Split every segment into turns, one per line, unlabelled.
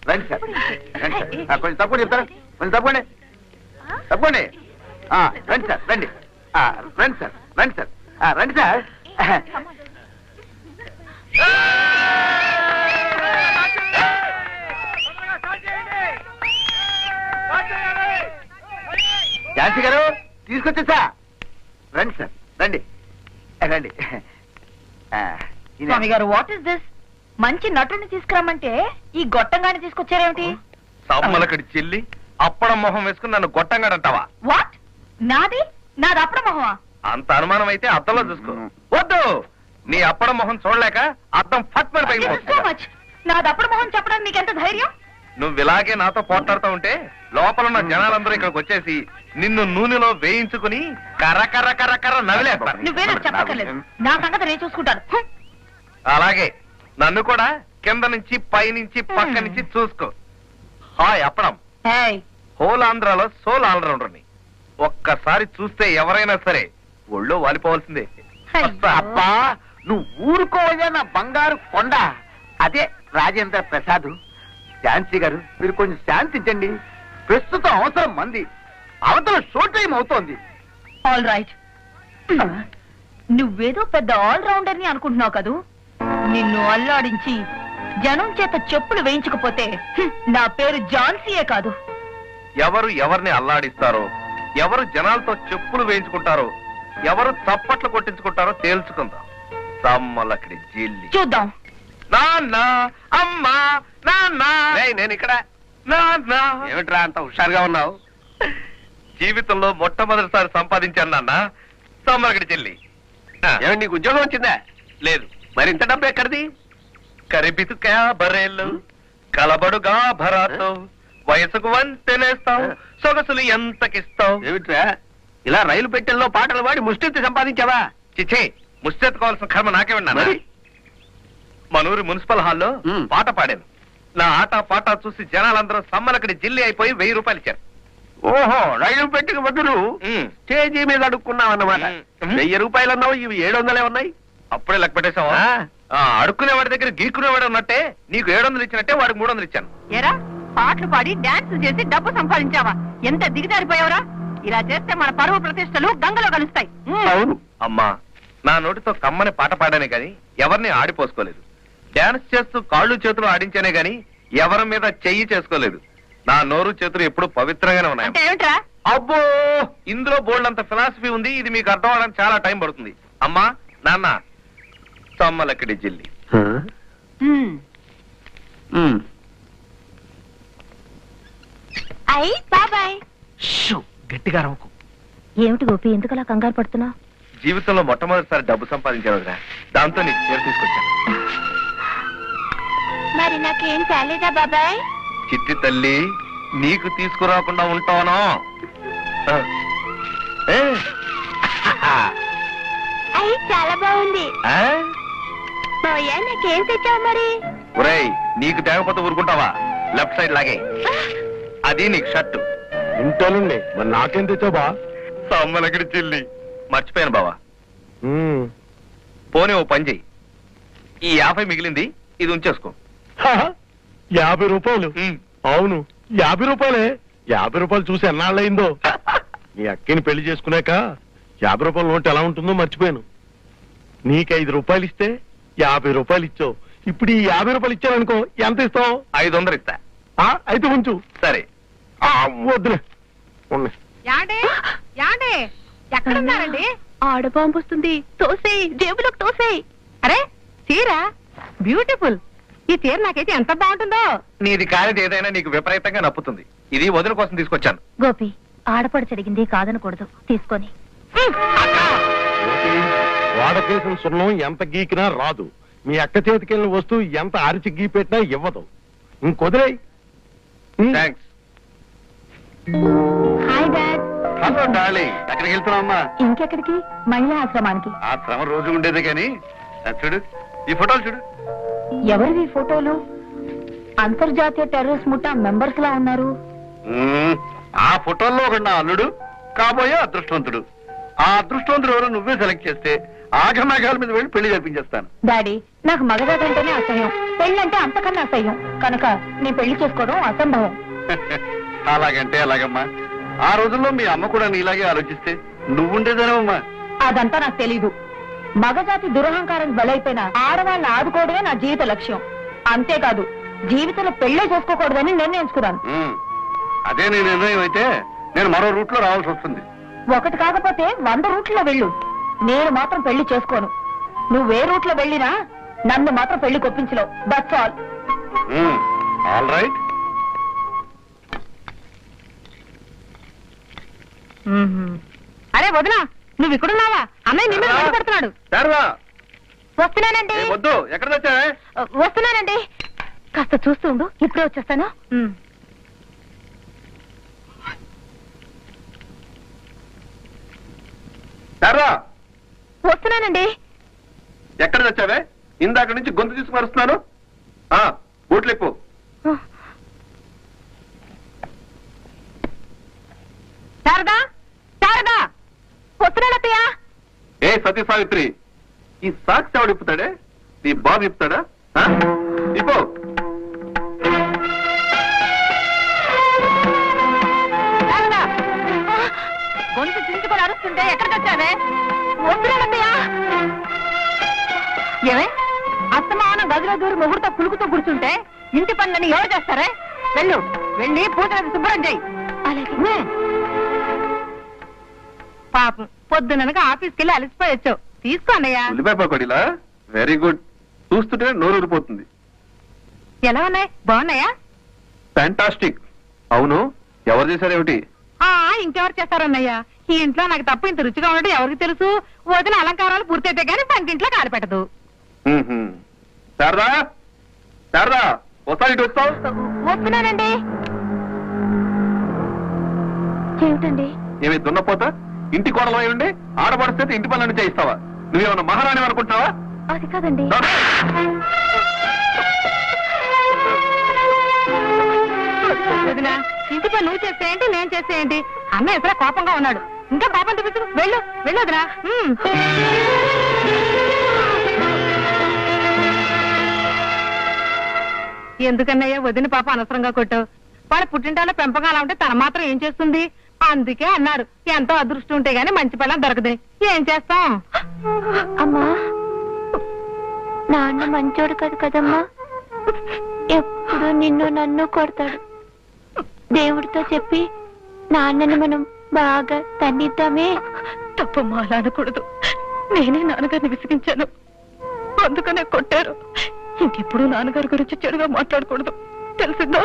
రండి సార్ రండి సార్ కొంచెం తప్పకుండా చెప్తారా కొంచెం తప్పండి తప్పండి రండి సార్ రండి రండి సార్ రండి సార్ రండి సార్ ఝాన్సీ గారు తీసుకొచ్చేసా రండి సార్ రండి రండి
స్వామి గారు వాట్ ఇస్ దిస్? మంచి నటుని తీసుకురమ్మంటే ఈ గొట్టంగాని తీసుకొచ్చారేమిటి?
సమ్మలకడి చెల్లి అప్పడం మొహం వేసుకుని నన్ను గొట్టంగాడంటావా?
వాట్? నాది అప్పడం మొహమా?
అంత అనుమానం అయితే అద్దంలో చూసుకో. వద్దు, నీ అప్పడం మొహం చూడలేక అద్దం ఫట్ పడి పగిలిపోతుంది.
నాది అప్పడం మొహం చెప్పడానికి నీకెంత ధైర్యం?
నువ్వు ఇలాగే నాతో పోట్లాడుతూ ఉంటే లోపల ఉన్న జనాలందరూ ఇక్కడికి వచ్చేసి నిన్ను నూనెలో వేయించుకుని కర్ర కర్ర కర్ర కర్ర నవిలేస్తారు.
నువ్వేదో చెప్పక్కర్లేదు, నా సంగతి నేను చూసుకుంటాను.
అలాగే నన్ను కూడా కింద నుంచి పై నుంచి పక్క నుంచి చూసుకో. హాయ్ అప్పడం, హోల్ ఆంధ్రాలో సోల్ ఆల్రౌండర్ని. ఒక్కసారి చూస్తే ఎవరైనా సరే ఒళ్ళో వాలిపోవాల్సిందే.
అబ్బా నువ్వు ఊరుకోవయ్యా నా బంగారు కొండ. అదే రాజేంద్ర ప్రసాద్. ఝాన్సీ గారు మీరు కొంచెం శాంతించండి. ప్రస్తుతం అవసరం మంది, అవతల షో టైం అవుతోంది.
ఆల్ రైట్, నువ్వేదో పెద్ద ఆల్ రౌండర్ ని అనుకుంటున్నావు కదూ. నిన్ను అల్లాడించి జనం చేత చెప్పులు వేయించకపోతే నా పేరు ఝాన్సీయే కాదు.
ఎవరు ఎవరిని అల్లాడిస్తారో, ఎవరు జనాలతో చెప్పులు వేయించుకుంటారో, ఎవరు చప్పట్లు కొట్టించుకుంటారో తేల్చుకుందాం. సమ్మలక్కడి జిల్లి
చూద్దాం.
నాన్న అమ్మా నాన్న, నేను ఇక్కడ. నాన్న
ఏమిట్రా అంత హుషారుగా ఉన్నావు?
జీవితంలో మొట్టమొదటిసారి సంపాదించాను నాన్న సమ్మలక్కడి చెల్లి.
ఏమిటి నీకు ఉద్యోగం వచ్చిందా?
లేదు.
మరి ఇంత డబ్బు ఎక్కడిది?
కరిబితుకా బరేళ్ళు కలబడుగా భరాతో వయసుకు వంతెనేస్తావు, సొగసులు ఎంతకిస్తావు.
ఏమిట్రా ఇలా రైలు పెట్టెల్లో పాటలు పాడి ముష్టెత్తి సంపాదించావా?
చిచ్చే, ముష్టెత్తుకోవాల్సిన కర్మ నాకే ఉన్నాను. మనూరి మున్సిపల్ హాల్లో పాట పాడాను. నా ఆట పాట చూసి జనాలందరూ సమ్మలక్కడి జిల్లి అయిపోయి 1000 రూపాయలు ఇచ్చారు.
ఓహో, రైలు పెట్టెకి బదులు స్టేజీ మీద అడుక్కున్నావు అన్నమాట. 1000 రూపాయలు అన్నావు, ఇవి 700 ఉన్నాయి.
అప్పుడే లెక్క పెట్టేశావా? అడుక్కునేవాడి దగ్గర గీక్కునేవాడు ఉన్నట్టే నీకు 700 ఇచ్చినట్టే వాడికి 300 ఇచ్చాను.
ఎరా పాటలు పాడి డాన్స్ చేసి డబ్బు సంపాదించావా? ఎంత దిగజారిపోయావరా? ఇలా చేస్తే మన పరువు ప్రతిష్టలు గంగలో కలుస్తాయి.
అవును
అమ్మా, నా నోటితో కమ్మని పాట పాడానే గాని ఎవరిని ఆడిపోసుకోలేదు. డాన్స్ చేస్తూ కాళ్ళు చేతులు ఆడించానే గాని ఎవరి మీద చెయ్యి చేసుకోలేదు. నా నోరు చేతులు ఎప్పుడు పవిత్రంగానే ఉన్నాయి. అబ్బో, ఇందులో బోల్డ్ అంత ఫిలాసఫీ ఉంది. ఇది మీకు అర్థం అవడానికి చాలా టైం పడుతుంది. అమ్మా నాన్న, సమ్మలక్కడి జిల్లి.
గట్టిగా రవ్వకు.
ఏమిటి గోపి, ఎందుకలా కంగారు పడుతున్నా?
జీవితంలో మొట్టమొదటిసారి డబ్బు సంపాదించాను కదా, దాంతో నీకు చీర తీసుకొచ్చాను.
మరి నాకేం చాలేదా బాబాయ్?
చిట్టి తల్లి, నీకు తీసుకురాకుండా ఉంటానో?
చాలా బాగుంది. నాకేం తెచ్చావు మరి?
ఒరేయ్, నీకు తేగపోతే ఊరుకుంటావా? లెఫ్ట్ సైడ్ లాగే. అది నీకు షర్టు.
ఇంటోనండి, మరి నాకేం తెచ్చావు బా?
సమ్మలక్కడి చెల్లి. మర్చిపోయాను బావా. పోనీ ఓ పని చెయ్యి, ఈ 50 మిగిలింది ఇది ఉంచేసుకో.
50 రూపాయలు? అవును 50 రూపాయలే. 50 రూపాయలు చూసి ఎన్నాళ్ళయిందో. నీ అక్కని పెళ్లి చేసుకున్నాక 50 రూపాయల నోటు ఎలా ఉంటుందో మర్చిపోయాను. నీకు 5 రూపాయలు ఇస్తే 50 రూపాయలు ఇచ్చావు. ఇప్పుడు ఈ 50 రూపాయలు ఇచ్చావనుకో, ఎంత ఇస్తావు?
500 ఇస్తా.
అయితే ఉంచు.
సరే.
వద్దులే.
ఎక్కడున్నారండి? ఆడబాంబు వస్తుంది, తోసేయి, జేబులోకి తోసేయి. అరే చీర బ్యూటిఫుల్. ఈ చీర నాకైతే ఎంత బాగుంటుందో.
నీది కానిది ఏదైనా నీకు విపరీతంగా నప్పుతుంది. ఇది వదిన కోసం తీసుకొచ్చాను.
గోపి, ఆడపడి జరిగింది కాదనకూడదు, తీసుకొని.
వాడకేసిన సున్నం ఎంత గీకినా రాదు. మీ అక్క చేతికెళ్ళిన వస్తువు ఎంత అరిచి గీపెట్టినా ఇవ్వదు. ఇంకొదిలేయ్.
Thanks.
Hi dad.
Hello darling, ఎక్కడికి వెళ్తున్నావమ్మా?
ఇంకెక్కడికి? మహిళా ఆశ్రమానికి.
ఆ శ్రమ రోజు ఉండేది కానీ చూడు, ఈ ఫోటోలు చూడు.
ఎవరివి ఫోటోలు? అంతర్జాతీయ టెర్రరిస్ట్ ముఠా మెంబర్స్ లా ఉన్నారు.
ఆ ఫోటోల్లో ఒక నా అల్లుడు, కాబోయే అదృష్టవంతుడు. ఆ అదృష్టవంతుడు ఎవరో నువ్వే సెలెక్ట్ చేస్తే ఆగమేఘాల మీద వెళ్ళి పెళ్లి జరిపించేస్తాను.
డాడీ, నాకు మగజాతి అంటేనే అసహ్యం, పెళ్ళంటే అంతకన్నా అసహ్యం. కనుక నీ పెళ్లి చేసుకోవడం అసంభవం.
అలాగంటే అలాగమ్మా. ఆ రోజుల్లో మీ అమ్మ కూడా నీలాగే ఆలోచిస్తే నువ్వుండేదేనమ్మా.
అదంతా నాకు తెలీదు. మగజాతి దురహంకారం బలైపోయిన ఆడవాళ్ళని ఆదుకోవడమే నా జీవిత లక్ష్యం. అంతేకాదు, జీవితంలో పెళ్లే చేసుకోకూడదని నిర్ణయించుకున్నాను.
అదే నీ నిర్ణయం అయితే నేను మరో రూట్ లో రావాల్సి వస్తుంది.
ఒకటి కాకపోతే 100 రూట్లో వెళ్ళు. నేను మాత్రం పెళ్లి చేసుకోను. నువ్వే రూట్లో వెళ్ళినా నన్ను మాత్రం పెళ్లి కొప్పించలేవు. That's all.
All right.
అరే వదినా, నువ్వు ఇక్కడున్నావా? అన్నయ్య నిన్ను పడుతున్నాడు. వస్తున్నానండి.
వద్దు, ఎక్కడ వచ్చావే?
వస్తున్నానండి. కాస్త చూస్తూ ఉండు, ఇప్పుడే వచ్చేస్తాను. వస్తున్నానండి.
ఎక్కడ వచ్చావే? ఇందాక నుంచి గొంతు తీసుకు మరుస్తున్నాను. బూట్లిప్పు.
శారదా, శారదా, వస్తున్నానత్తయ్యా.
ఏ సతీ సావిత్రి, ఈ సాక్స్ ఎవడు ఇప్పుతాడే? నీ బాబు ఇప్పుతాడా? ఇప్పు.
శారదా, గొంతు చించుకొని అరుస్తుంటే ఎక్కడికి వచ్చావే? వస్తున్నానత్తయ్యా. ఏమే, అస్తమానం గదిలో దూరి ముహూర్తం పులుకుతో కూర్చుంటే ఇంటి పనులని ఎవరు చేస్తారే? వెళ్ళు, వెళ్ళి పూజలను శుభ్రం చేయి. అలాగే. పాపం పొద్దుననక ఆఫీస్కి వెళ్ళి అలసిపోయొచ్చు. తీసుకో అన్నయ్య.
ఉల్లిపాయ పకోడీలా? Very good. చూస్తుంటే నోరు ఊరిపోతుంది.
ఎలా ఉన్నాయి? బాగున్నాయా?
ఫ్యాంటాస్టిక్. అవును, ఎవరు చేశారేమిటి?
ఇంకెవరు చేస్తారన్నయ్య? ఈ ఇంట్లో నాకు తప్ప ఇంత రుచిగా ఉండడం ఎవరికి తెలుసు? వదిన అలంకారాలు పూర్తయితే గానీ పంటింట్లో కాలు పెట్టదు.
శారదా, శారదా, వస్తా. ఇటు వస్తావు?
వస్తున్నానండి. ఏమిటండి?
ఏమి దున్నపోతా? ఇంటి కోడలో ఏమండి? ఆడపడిస్తే ఇంటి పనులను చేయిస్తావా? నువ్వేమన్నా మహారాణి అనుకుంటున్నావా?
అది కాదండి. వదినా, ఇంటి పని నువ్వు చేసేయండి, నేను చేసేయండి. అన్న ఎక్కడ కోపంగా ఉన్నాడు. ఇంకా పాపం చూపించు. వెళ్ళు, వెళ్ళు వదినా. ఎందుకన్నయ్య వదిన పాప అనవసరంగా కొట్టావు? వాళ్ళ పుట్టింటాలో పెంపకం అలా ఉంటే తన మాత్రం ఏం చేస్తుంది? అందుకే అన్నారు, ఎంతో అదృష్టం ఉంటే గానీ మంచి పిల్లలు దొరకదు. ఏం చేస్తాం?
అమ్మా, నాన్న మంచోడు కాదు కదమ్మా. ఎప్పుడు నిన్ను నన్ను కొడతాడు. దేవుడితో చెప్పి నాన్నని మనం బాగా తన్నిద్దామే.
తప్పమ్మా, అలా అనకూడదు. నేనే నాన్నగారిని విసిగించాను, అందుకనే కొట్టారు. ఇంకెప్పుడు నాన్నగారి గురించి చెడుగా మాట్లాడకూడదు, తెలిసిందో?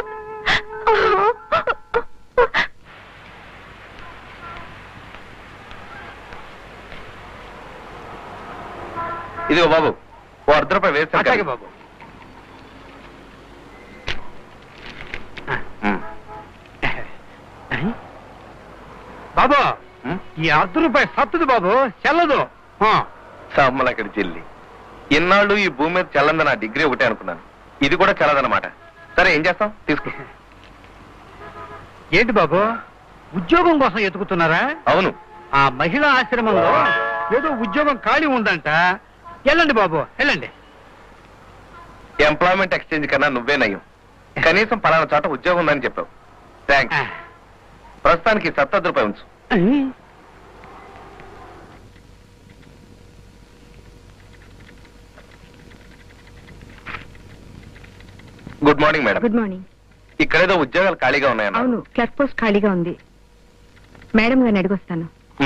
ఇదిగో బాబు, ఓ ₹100 వేస్తాను బాబు.
బాబు, ఈ ₹100 సత్తుది బాబు, చెల్లదు.
సమ్మలక్కడి చెల్లి. ఇన్నాళ్ళు ఈ భూమి మీద చల్లంది నా డిగ్రీ ఒకటే అనుకున్నాను. ఇది కూడా చల్లదన్నమాట. సరే, ఏం చేస్తాం? తీసుకో.
ఏంటి బాబు, ఉద్యోగం కోసం ఎతుకుతున్నారా?
అవును.
ఆ మహిళా ఆశ్రమంలో ఏదో ఉద్యోగం ఖాళీ ఉందంట. వెళ్ళండి బాబు, వెళ్ళండి.
ఎంప్లాయ్మెంట్ ఎక్స్చేంజ్ కన్నా నువ్వే నయం. కనీసం పలానా చోట ఉద్యోగం ఉందని చెప్పావు. థ్యాంక్స్. ప్రస్తుతానికి ₹70 ఉంచు. Good morning madam.
Good morning.
ఇక్కడేదో ఉద్యోగాలు ఖాళీగా ఉన్నాయన్న.
అవును, క్లర్క్ పోస్ట్ ఖాళీగా ఉంది. మేడం గారిని అడిగొస్తాను.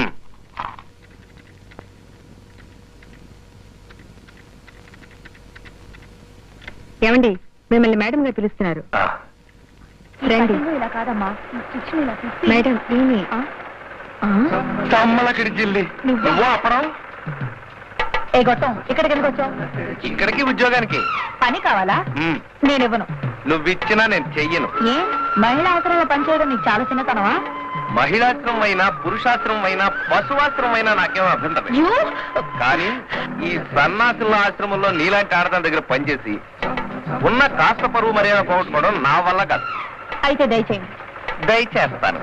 ఏమండి, మిమ్మల్ని మేడం గారు పిలుస్తున్నారు. రండి.
ఇలా కాదమ్మా,
మేడం ఈమె.
సమ్మలక్కడి చెల్లి. నువ్వు అప్పడం?
ఏ గొట్టం, ఇక్కడికి ఎందుకు వచ్చావు?
ఇక్కడికి ఉద్యోగానికి.
పని కావాలా? నేను ఇవ్వను.
నువ్విచ్చినా నేను చెయ్యను.
ఏ మహిళా ఆశ్రమంలో పనిచేయడం నీకు చాలా చిన్నతనమా?
మహిళాశ్రమం అయినా, పురుషాశ్రమం అయినా, పశువాశ్రమం అయినా నాకేమో అభ్యంతరం లేదు. కానీ ఈ సన్నాసుల ఆశ్రమంలో నీలాంటి ఆడదాని దగ్గర పనిచేసి ఉన్న కాస్త పరువు మర్యాద పోగొట్టుకోవడం నా వల్ల కాదు.
అయితే దయచేయండి.
దయచేస్తాను.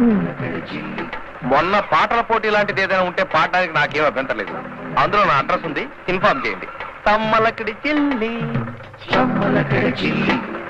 మొన్న పాటల పోటీ లాంటిది ఏదైనా ఉంటే పాడడానికి నాకేం అభ్యంతరం లేదు. అందులో నా అడ్రస్ ఉంది, ఇన్ఫార్మ్ చేయండి. తమ్మలకడి చిల్లి తమ్మలకడి చిల్లి